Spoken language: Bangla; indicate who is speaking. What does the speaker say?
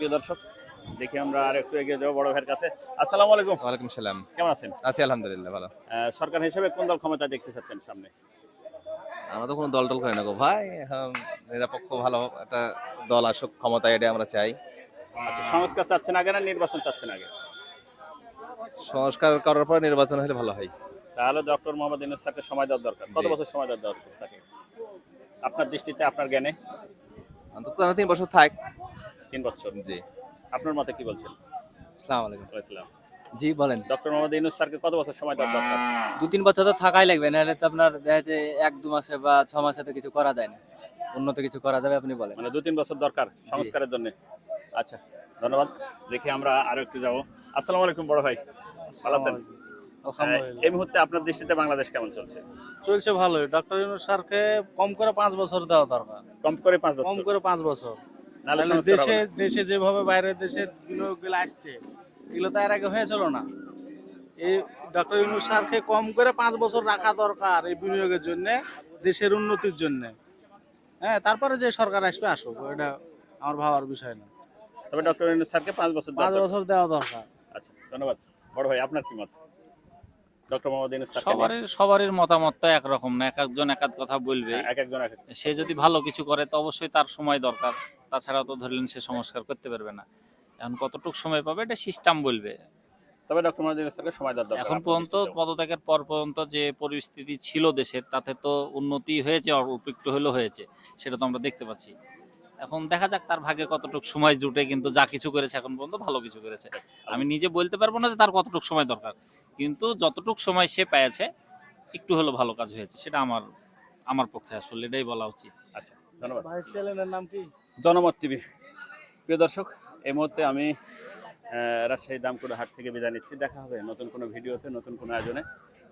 Speaker 1: প্রিয় দর্শক, দেখি আমরা আর একটু এগিয়ে যাবো বড় ভাইয়ের কাছে। আসসালামু আলাইকুম।
Speaker 2: ওয়ালাইকুম সালাম।
Speaker 1: কেমন আছেন?
Speaker 2: আছি আলহামদুলিল্লাহ ভালো।
Speaker 1: সরকার হিসেবে কোন দল ক্ষমতা দেখতে চাচ্ছেন সামনে?
Speaker 2: আমরা তো কোনো দল-টল করি না গো ভাই। এখন নিরপেক্ষ ভালো একটা দল আসুক ক্ষমতায়, এটাই আমরা চাই।
Speaker 1: আচ্ছা, সংস্কার চাচ্ছেন আগে না নির্বাচন চাচ্ছেন আগে?
Speaker 2: সংস্কার করার পর নির্বাচন হলে ভালো হয়।
Speaker 1: তাহলে ডক্টর মোহাম্মদ ইউনূস স্যারকে সময় দেওয়া দরকার। কত
Speaker 2: জি।
Speaker 1: বছর সময় দেওয়া দরকার তাকে? আপনার দৃষ্টিতে, আপনার জ্ঞানে?
Speaker 2: অন্তত তারা ৩ বছর থাক।
Speaker 1: ৩ বছর।
Speaker 2: জি।
Speaker 1: আপনার মতে কি বলছেন?
Speaker 3: আসসালামু আলাইকুম।
Speaker 1: ওয়ালাইকুম।
Speaker 3: জি বলেন।
Speaker 1: ডক্টর মোহাম্মদ ইউনূস স্যারকে কত বছর সময় দেওয়া দরকার?
Speaker 3: ২-৩ বছর তো থাকাই লাগবে, নাহলে তো আপনার দেখা যায় ১-২ মাসে বা ৬ মাসে তো কিছু করা যায় না। উন্নত কিছু করা যাবে আপনি বলেন।
Speaker 1: মানে ২-৩ বছর দরকার সংস্কারের জন্য। আচ্ছা, ধন্যবাদ। দেখি আমরা আরো একটু যাবো। আসসালামু আলাইকুম বড় ভাই, ভালো আছেন?
Speaker 4: আলহামদুলিল্লাহ।
Speaker 1: এই মুহূর্তে আপনার দৃষ্টিতে বাংলাদেশ কেমন চলছে?
Speaker 4: চলছে ভালোই। ডক্টর ইউনূস স্যারকে কম করে ৫ বছর দেওয়া দরকার।
Speaker 1: কম করে ৫
Speaker 4: কম
Speaker 1: বছর।
Speaker 4: করে ৫ বছর।
Speaker 1: নাহলে
Speaker 4: তাহলে
Speaker 1: সংস্কার হবে না।
Speaker 4: দেশে যেভাবে বাইরের দেশের বিনিয়োগগুলো আসছে, এগুলো তো এর আগে হয়েছিল না। এই ডক্টর ইউনূস স্যারকে কম করে ৫ বছর রাখা দরকার এই বিনিয়োগের জন্য, দেশের উন্নতির জন্য। হ্যাঁ, তারপরে যে সরকার আসবে আসুক, এটা আমার ভাবার বিষয় না।
Speaker 1: তবে ডক্টর ইউনূস স্যারকে ৫ বছর
Speaker 4: ৫
Speaker 1: দেওয়া দরকার।
Speaker 4: বছর দেওয়া দরকার।
Speaker 1: আচ্ছা, ধন্যবাদ। বড় ভাই, আপনার কি মত? ডক্টর মোহাম্মদ ইউনূস স্যারকে নিয়ে?
Speaker 5: সবারই মতামত তো একরকম না, এক একজন এক এক কথা বলবে।
Speaker 1: হ্যাঁ, এক একজন এক এক।
Speaker 5: সে যদি ভালো কিছু করে তো অবশ্যই তার সময় দরকার, তাছাড়া তো ধরলেন সে সংস্কার করতে পারবে না। এখন কতটুকু সময় পাবে এটা সিস্টেম বলবে।
Speaker 1: তবে ডক্টর মোহাম্মদ ইউনূস স্যারকে সময় দেওয়া দরকার।
Speaker 5: এখন
Speaker 1: আপনার
Speaker 5: পর্যন্ত
Speaker 1: দৃষ্টিতেও?
Speaker 5: পদত্যাগের পর পর্যন্ত যে পরিস্থিতি ছিল দেশের, তাতে তো উন্নতি হয়েছে, অল্প একটু হলেও হয়েছে, সেটা তো আমরা দেখতে পাচ্ছি। এখন দেখা যাক তার ভাগে কতটুকু সময় জুটে, কিন্তু যা কিছু করেছে এখন পর্যন্ত ভালো কিছু করেছে। আমি নিজে বলতে পারবো না যে তার কতটুকু সময় দরকার, কিন্তু যতটুকু সময় সে পেয়েছে একটু হলো ভালো কাজ হয়েছে, সেটা আমার আমার পক্ষে আসলে এটাই বলা উচিত।
Speaker 1: আচ্ছা, ধন্যবাদ।
Speaker 4: ভাই, চ্যানেলের নাম কি?
Speaker 1: জনমত টিভি। প্রিয় দর্শক, এই মুহূর্তে আমি রাজশাহী দামকুড়া হাট থেকে বিদায় নিচ্ছি। দেখা হবে নতুন কোনো ভিডিওতে, নতুন কোনো আয়োজনে।